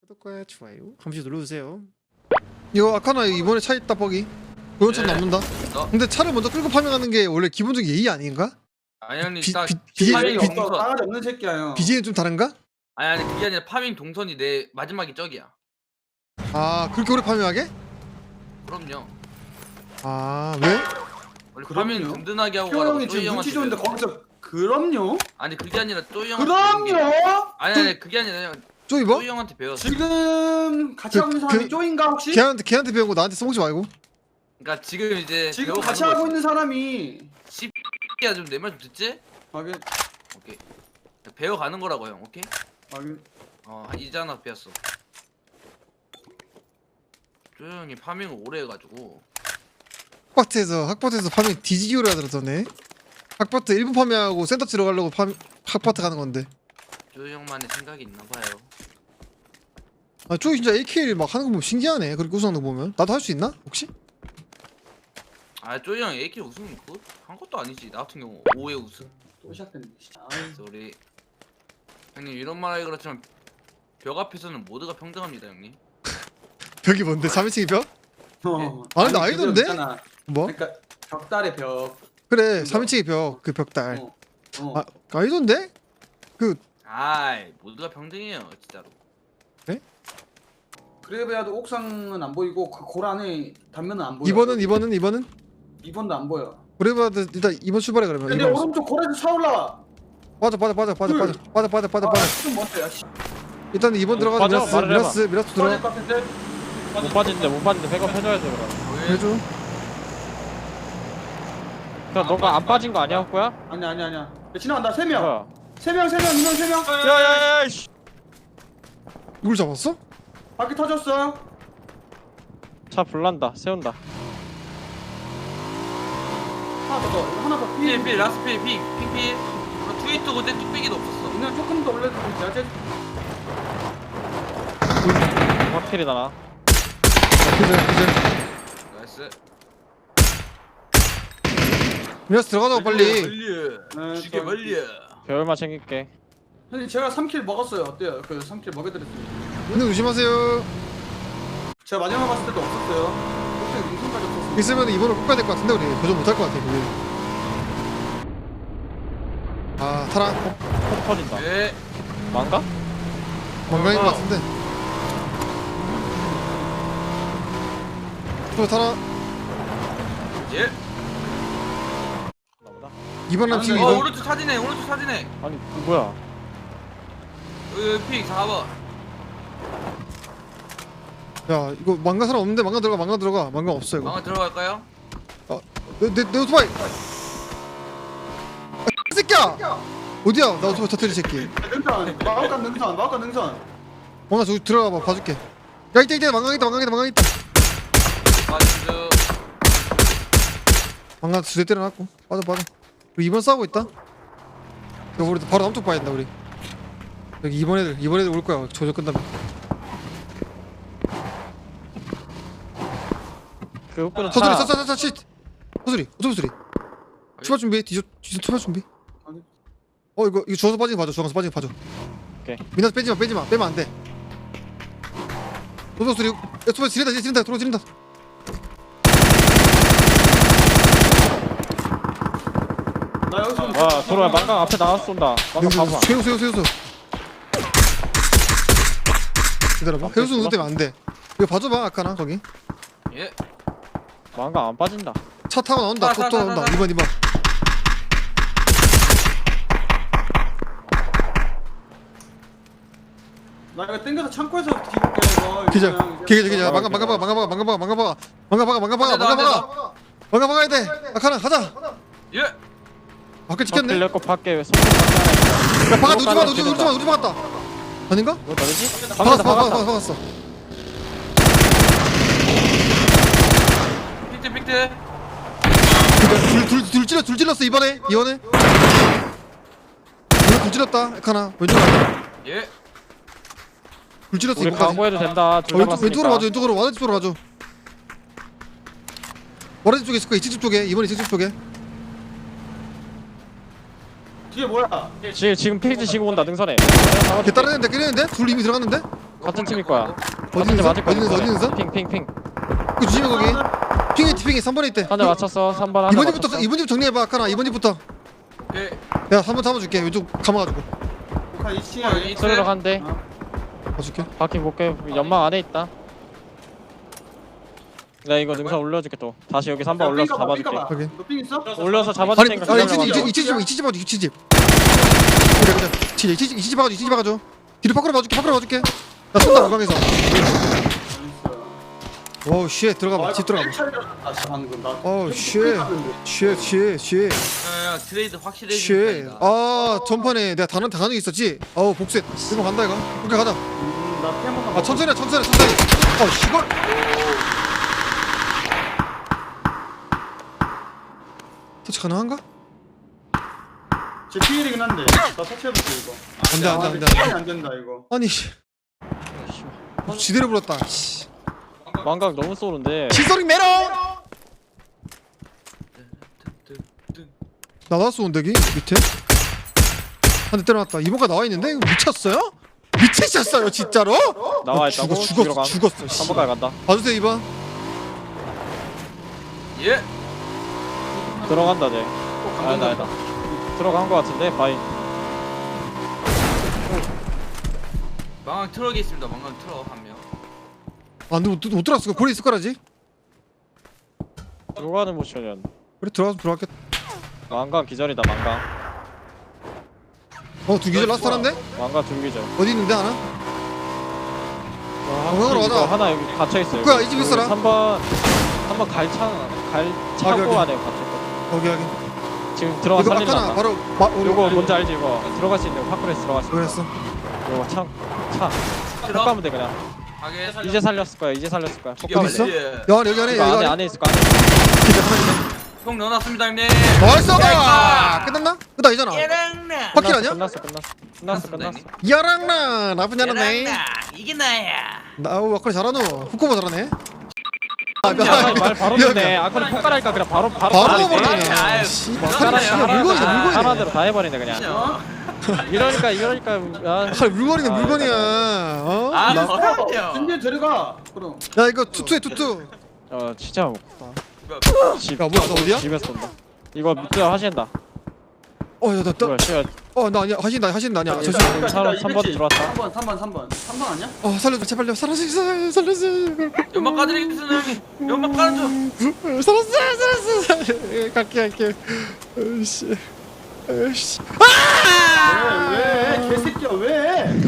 구독과 좋아요 한 번씩 눌러주세요. 이거 아카나 이번에 차 있다 뻑이 고연차 네. 남는다. 근데 차를 먼저 끌고 파밍하는 게 원래 기본적인 예의 아닌가? 아니 형님 비- 딱 비- 비- 파밍 비- 동선 싸가지 없는 새끼야 형. BJ는 좀 다른가? 아니 그게 아니라 파밍 동선이 내 마지막이 저기야. 아 그렇게 오래 파밍하게? 그럼요. 아 왜? 원래 그럼요. 파밍 든든하게 하고 형 가라고 형이 쪼이 지금 형한테 눈치 좋은데 배웠어. 거기서 그럼요? 아니 그게 아니라 쪼이 형한테 배운 게 그럼요? 아니 그게 아니라 형 쪼이 뭐? 쪼이 형한테 배웠어. 지금 같이 그- 하고 있는 사람이 그- 쪼인가 혹시? 걔한테 배운 거 나한테 써먹지 말고. 그러니까 지금 이제 지금 배워가는 같이 하고 거지. 있는 사람이 야 좀 내 말 좀 듣지? 하긴 오케이. 배워가는 거라고 형. 오케이? 하긴 이제 하나 배웠어. 쪼이 형이 파밍을 오래 해가지고 학바트에서 파밍 뒤지기 오래 하더라더네. 학바트 1분 파밍하고 센터 치러 가려고 학바트 가는 건데. 쪼이 형만의 생각이 있나 봐요. 아 쪼이 진짜 AK를 막 하는 거 보면 신기하네. 그렇게 우승하는 거 보면 나도 할 수 있나? 혹시? 아 쪼이 형 AK 우승 한 것도 아니지. 나 같은 경우 5회 우승. 또 시작됐네. 진짜. 아이, 쏘리. 형님 이런 말하기 그렇지만 벽 앞에서는 모두가 평등합니다 형님. 벽이 뭔데? 3인칭이 벽? 아, 근데 아니, 아이던데? 그거 있잖아. 뭐? 그러니까 벽달의 벽. 그래 그거. 3인칭이 벽 그 벽달. 어. 아니던데? 아이 모두가 평등해요 진짜로. 그래봐야도 옥상은 안 보이고 그 골 안에 단면은 안 보여. 2번은? 2번도 안 보여. 그래봐도 일단 2번 출발해 그러면. 근데 2번. 오른쪽 골에서 차 올라와. 빠져. 뭔데? 씨. 일단 2번 들어가서 빠져, 말을 해봐. 미라스 떨어질 들어가. 것 같은데? 못 빠지는데 백업 해줘야지 그럼. 해줘. 그럼 너가 안 빠진 거 아니야 호구야? 아니야. 지나간다. 3명. 뭐야? 3명, 인원 3명. 야야야 씨. 이걸 잡았어? 바퀴 터졌어. 차 불난다 세운다. 하나 더. 필 라스 필핑 트위터 그때 뚝배기도 없었어. 인원 조금 더 올려도 되지. 확실히다 나. 기절. 나이스. 미라스 들어가자고 빨리. 네, 죽여 멀리. 배열만 챙길게. 형님 제가 3킬 먹었어요. 어때요? 그 3킬 먹여드렸어요. 근데 조심하세요. 제가 마지막 봤을 때도 없었어요. 그때 인생까지 없었어요. 있으면 2번을 꼭 가야 될 것 같은데 우리 도전 못할 것 같아 우리. 아 타라. 폭 터진다. 예. 망가? 건강인 것 같은데. 또 타라. 예. 나보다. 2번 남 지금 아, 2번. 오른쪽 사진에. 아니 뭐야? 여기 픽 4번. 야 이거 망가 사람 없는데 망가 들어가. 망가 없어 이거. 방아 들어갈까요? 내 오토바이. 이 새끼야. 어디야? 나 오토바이 터뜨린 새끼. 능선. 마법관 능선. 나 저기 들어가봐 봐줄게. 야 이때 망가 있다. 맞죠. 망가 두대 때려놨고. 빠져. 우리 2번 싸우고 있다. 이거 우리 바로 남쪽 봐야 된다 우리. 여기 2번 애들 올 거야. 조져 끝나면. 그 호구는 서소리 차. 서소리 오토바이 소리. 출발 준비. 뒤져 출발 준비. 아니. 이거 주워서 빠지는 거 봐줘. 주워서 빠지는 거 봐줘. 오케이. 민나스 빼지마. 빼면 안 돼. 오토바이 소리. 오토바이 지른다. 도로 지른다. 나 여기서 와 돌아 망가 앞에 나와서 쏜다. 망가 봐봐. 세우소. 기다려봐. 해우수 누구 때문에 안 돼. 이거 봐줘봐 아까나 거기. 예. 망가 안 빠진다. 차 타고 나온다. 또 나온다. 2번. 나 이거 땡겨서 창고에서 뒤볼게. 기절. 망가 막아야 돼. 아까나 가자. 예. 밖에 찍혔네. 빌렸고 밖에 왜 야 박아 우리 박았다. 아닌가? 뭐 다르지? 박았어. 픽트. 둘 찔렀어 이번에. 둘 찔렀다. 아까나 왼쪽 예. 둘 찔렀어 우리 이거까지. 강구해도 된다. 왼쪽으로 가줘. 와드 쪽으로 가줘. 와드 쪽에 있을 거야. 이집 쪽에. 이번 이집 쪽에. 뒤에 뭐야? 지금 페이지 지고 온다 능선에. 걔 따르는데 둘 이미 들어갔는데? 같은 팀일 거야. 어디 있는 선? 어디 있는 선? 어디 있는 선? 핑핑핑. 그 조심해 거기. 핑이 3번에 있대. 한 대 맞췄어. 3번 하나 이번 맞췄어. 집부터 이번 집 정리해봐 아까나 이번 집부터. 오케이. 내가 3번 잡아줄게 왼쪽 감아가지고 북한 2층에 스르륵 한 대. 봐줄게. 바퀴 볼게. 연막 안에 있다. 내가 이거 능선 올려줄게 또. 다시 여기 3번 올려서 잡아줄게. 확인. 너삥 있어? 올려서 아니 잡아줄 테니까 아니 기다려봐. 이치집 봐줘 이치집. 그래 그래. 이치집 봐줘 이치집 봐줘. 뒤로 밖으로 봐줄게. 나 쏜다 오강에서. 오우 쉣 들어가봐 집 들어가봐. 아 방금 나. 어우 쉣. 야, 트레이드 확실히 해주는 아 전판에 내가 단어 있었지. 어우 복수했. 이거 간다 이거. 오케이 가자. 나 피한 번만. 아 천천히. 어 시골. 터치 가능한가? 제 피일이긴 한데. 나 터치해볼게 이거. 안돼. 안 된다 이거. 아니 씨. 지대로 불었다. 씨. 망각 너무 쏘는데. 시소링 메롱. 나왔어 온대기 밑에. 한 대 때려놨다. 이모가 나와 있는데 이거 미쳤어요? 미치셨어요 진짜로? 나와 있다고? 죽었어. 씨. 3번까지 간다. 봐주세요 2번. 예. 들어간다 쟤. 아니다. 들어간 거 같은데 바이. 망강 트럭이 있습니다. 망강 트럭 한 명. 못 들어갔어. 고리 있을 거라지. 들어가는 모션이었네. 그래 들어갔겠다. 망각 기절이다 망각. 두 기절 라스트 하나인데? 망각 중기절. 어디 있는데 하나? 방향으로 이거 가자. 하나 여기 갇혀 있어요. 뭐야, 이집 있어라? 3번 갈 차고 여기. 안에 갇혀 있거든. 여기 지금 들어가 이거 살리려 아까나 한다. 바로 요거 뭔지 알지 이거? 들어갈 수 있는 거 파크레스 들어갈 수 있는 그랬어. 거. 요거 차 트럭. 가면 돼 그냥. 하게. 이제 살렸을 거야. 여기 있어? 야 안에 이거 여기 안에. 안에 있을 거 안에. 형 넣어놨습니다 형님. 나이스! 끝났나? 끝나 이잖아. 야랑나. 바퀴 아니야? 끝났어. 야랑나 나쁘지 않았네. 이게 나야. 나 와커리 잘하노. 후쿠모 잘하네. 말 바로 듣네. 아까는 폭발할까 그냥 바로 바로 가버리네. 먹어버리네. 아유, 물건이네. 하나대로 다 해버리네 그냥. 이러니까 물건이네 물건이야. 어? 아, 나- 그럼요. 근데 데려가. 그럼. 야 이거 투투해 투투. 진짜 야 뭐야 너 어디야? 집에서 쏜다. 이거 밑에 하신다. 어야나 뭐야 씨야. 나 아니야 하신다 아니야. 저씨. 사람 3번 들어왔다. 3번 아니야? 살려줘 제발요. 살려줘. 연막 까드리겠습니다 형님. 연막 까줘. 살았어. 갈게. 으씨. 왜? 개새끼야 왜?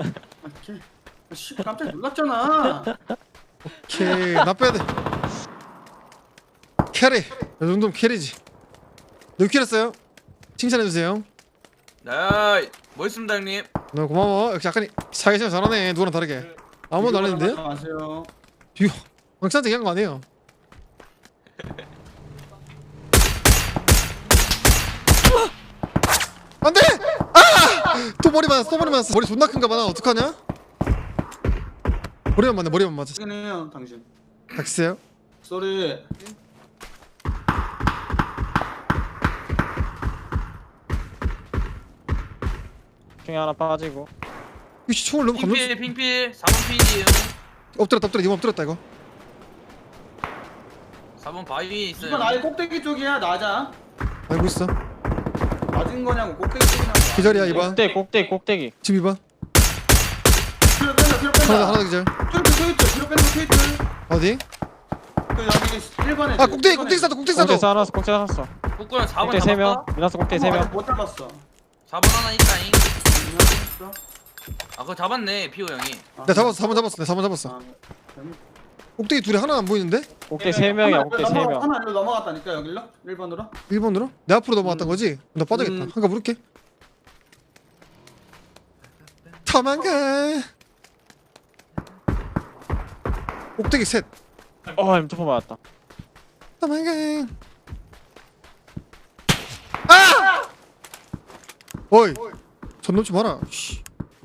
씨 깜짝 놀랐잖아. 오케이 나 빼야 돼. 캐리. 이 정도면 캐리지. 몇 킬 했어요? 칭찬해주세요. 네. 멋있습니다 형님. 너 고마워. 역시 약간 사회생활 잘하네. 누구랑 다르게. 아무도 안 했는데요? 안녕하세요. 이거 왕찬한테 얘기한 거 아니에요? 안돼! 또 머리 맞았어. 머리 존나 큰가 봐. 나 어떡하냐? 머리만 맞았어. 해요 당신. 닥치세요. 쏘리. 중에 하나 빠지고. 이씨 총을 너무 감정. 핑필 4번 필이에요. 엎드렸다. 이거 엎드렸다 이거. 4번 바위 있어요. 이건 아예 꼭대기 쪽이야 낮아. 알고 있어. 낮은 거냐고 꼭대기 쪽이냐고. 기절이야 2번. 꼭대기. 지금 2번. 뒤로 뺀다. 하나 더 기절. 뒤로 뺀다 트위트. 어디? 그 여기 1번에. 아 꼭대기 싸줘. 꼭대기 하나 쐈어. 북구는 4번 꼭대기 3명. 미나스 꼭대기 3명. 못 잡았어. 4번 하나 있다잉. 있어? 아 그거 잡았네 피오 형이. 내가 잡았어. 4번 잡았어. 꼭대기 둘이 하나 안 보이는데? 꼭대기 3명이야. 꼭대기 3명. 하나 일로 넘어갔다니까 여기로 1번으로. 1번으로? 내 앞으로 넘어갔던 거지? 나 빠져겠다. 한가 물을게. 도망가. 꼭대기 셋. M2 맞았다. 도망가. 아! 어이. 전놈 좀 봐라. 씨.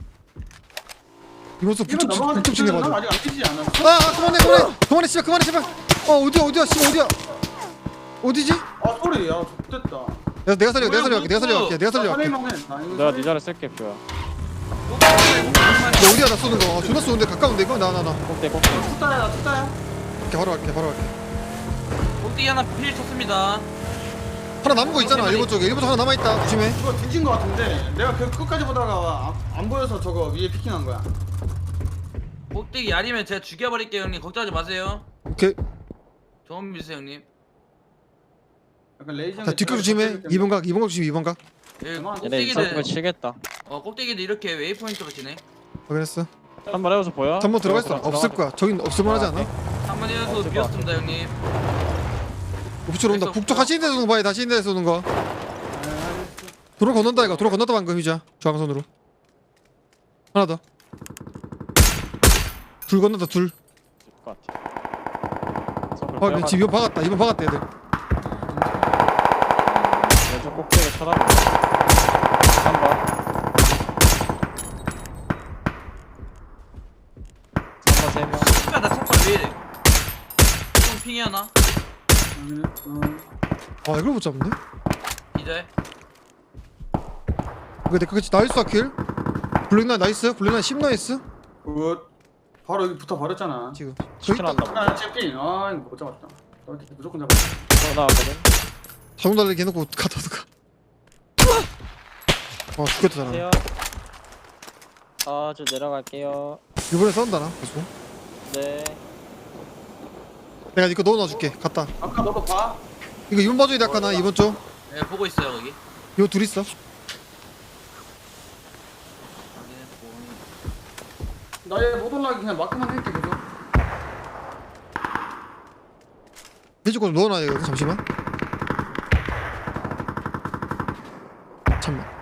이모습 불쪽 챙겨봐줘. 아직 안 뛰지 않았어? 그만해 씨발. 어디야 씨 어디야? 어디지? 아 소리 야 좋됐다. 내가 살려갈게. 내가 네 자리 쓸게 뷰야. 너 어디야 나 쏘는 거? 존나 쏘는데 가까운데 이거? 나. 꼭대. 투따야 나 투따야. 이렇게 바로 갈게. 꼭대기 하나 필 쳤습니다. 하나 남은 거 있잖아. 일본 쪽에. 일본 쪽 하나 남아 있다. 조심해. 이거 뒤진 거 같은데 내가 그 끝까지 보다가 안 보여서 저거 위에 피킹한 거야. 꼭대기 야리면 제가 죽여버릴게요 형님. 걱정하지 마세요. 오케이. 좀 믿으세요 형님. 약간 레이저. 자 뒷각 조심해. 2번 각 조심. 2번 각. 예, 얘네 꼭대기들 이상한 거 치겠다. 꼭대기들 이렇게 웨이포인트로 치네. 확인했어. 한번 해봐서 보여? 3번 들어가 있어. 없을 거야. 저긴 없을만 하지 않아? 한번 이어서 없을 것 비었습니다 형님. 북쪽으로 온다. 없어. 북쪽 하시는 데서 쏘는 거 봐야 다시 있는 데서 쏘는 거. 도로 건넌다 이거. 도로 건넜다 방금 휴자. 중앙선으로. 하나 더. 둘 건넌다 둘. 것 같아. 서클 아, 집 2번 박았다. 2번 박았다 얘들. 왼쪽 꼭대기 쳐다봐. 3번. 3번 3명. 씨발 나 첫발 왜 이래? 좀 핑이 하나? 아 이걸 못 잡네. 이제 이거 내거 그치 나이스 킬. 블랙나 나이스. 블랙나 10 나이스. 굿. 바로 여기 붙어 버렸잖아. 지금. 치킨 한다. 아 챔핀. 아 이거 못 잡았다. 이렇게 무조건 잡았다. 또 나왔거든. 자동 달리기 해놓고 갔다 가. 죽겠다 잘하네. 안녕하세요. 저 내려갈게요. 이번에 싸운다 나 계속. 네. 내가 이거 넣어놔줄게. 갔다. 아까 너도 봐. 이거 2번 봐줘야 돼 아까 나 2번 쪽. 네 보고 있어요 거기. 이거 둘 있어. 나얘 못 올라가게 그냥 마크만 할게 계속. 해줄 거좀 넣어놔야 되거든. 잠시만. 잠만.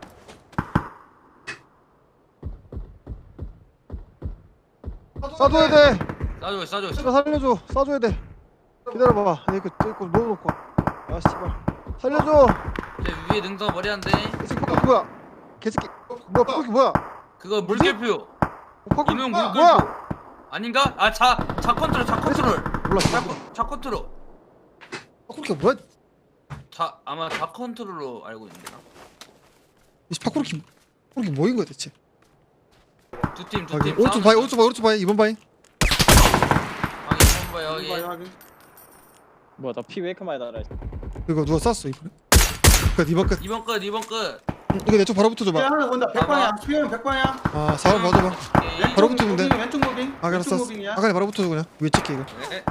싸줘야 돼. 싸주고 있어 싸주고 있어. 제가 살려줘. 싸줘야 돼. 기다려봐. 이거 넣어놓고. 아 씨발. 살려줘. 제 위에 능선 머리한데 개새끼 뭐야? 개새끼. 뭐야? 파쿠키 뭐야? 그거 물결표. 파쿠키 이놈 뭐야? 물결표. 아닌가? 자 컨트롤 몰라. 자 컨트롤. 파쿠키가 뭐야? 아마 자 컨트롤로 알고 있는데 나. 이 파쿠키 뭐인 거야 대체? 두팀 오른쪽 바위 오른쪽 바위 2번 바위. 방이 한번 봐요 여기. 확인. 뭐야 나 피 왜 이렇게 많이 달아? 이거 누가 쐈어 이번에? 끝 2번 끝. 2번 끝. 이거 내 쪽 바로 붙어줘봐. 하나 본다. 100방향. 수영 100방향. 아 4번 봐줘봐. 오케이. 바로 붙으면 돼. 왼쪽 무빙. 아 알았어. 왼쪽 무빙이야. 아까 바로 붙어줘 그냥. 왜 찍게 이거? 네.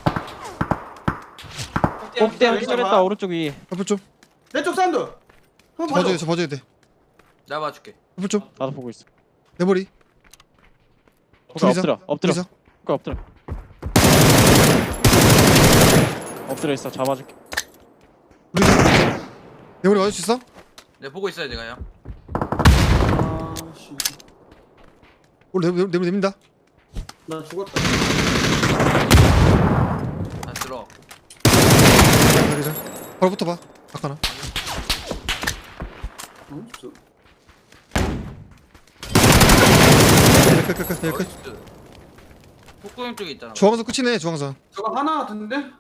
꼭대 왼쪽 기절했다 봐. 오른쪽 위. 앞을 좀. 왼쪽 사운드. 한번 봐줘. 봐줘야 돼. 내가 봐줄게. 앞을 좀. 나도 보고 있어. 내 머리. 오케이, 둘이서? 엎드려. 둘이서? 오케이, 엎드려. 엎드려 있어. 잡아줄게. 우리 내 머리 맞을 수 있어? 네 보고 있어요 제가요. 아 씨. 우리 내 머리 내민다. 나 죽었다. 다 들어. 여기서. 바로 붙어봐. 아까나. 없어. 끝. 나이스. 폭구형 쪽에 있잖아. 중앙선 끝이네 중앙선. 저거 하나 같은데?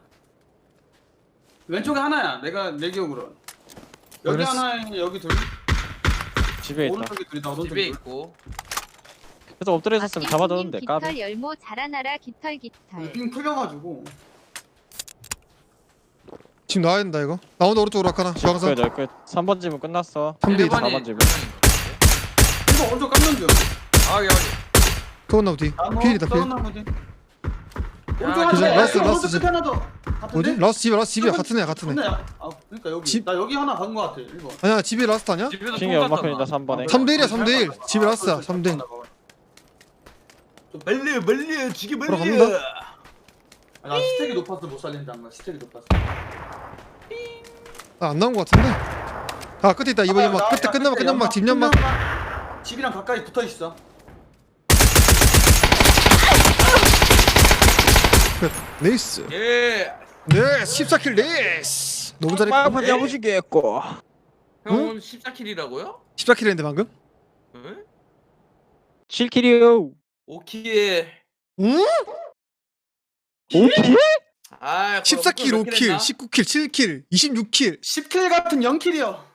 왼쪽에 하나야. 내 기억으로. 여기 그랬어. 하나, 여기 둘. 집에 있다. 오른쪽에 둘이다. 오른쪽에 집에 둘. 있고. 그래서 엎드려 있었으면 잡아줬는데 까비. 깃털 열모 자라나라 깃털. 빙 풀려가지고. 지금 나와야 된다 이거. 나온다 오른쪽으로 아까나. 중앙선. 끝. 3번 집은 끝났어. 3대 2. 4번 집은. 이거 오른쪽 깎는 중. 여기. 그건 뒤. 필이다 필. 나무 뒤. 야, 오른쪽 하나 그죠? 더. 라스트 오른쪽 집. 끝에 하나 더. 같은데? 뭐지? 라스트 집이야 같은 애야 같은 애. 같은 애야. 아, 그러니까 여기. 집. 나 여기 하나 간 거 같아. 1번. 아니야 집이 라스트 아니야? 집에서 핑이 통 연막편이다 땄잖아. 3번에. 3대 1이야 3대 1. 집이 라스트야 3대 1. 빨리 죽이 바로 갑니다. 나 스택이 높아서 못 살린다. 안 스택이 높아서. 안 나온 거 같은데. 아 끝에 있다 이번 연막. 끝에 끝나면 집 연막. 집이랑 가까이 붙어 있어. 끝. 레이스. 예. 네 14킬 레이스. 너무 잘했고. 잡으시겠고. 형 오늘 14킬이라고요? 14킬 했는데 방금? 응? 7킬이요. 오키에. 응? 오케이? 아, 14킬 5킬 19킬 7킬 26킬 10킬 같은 0킬이요.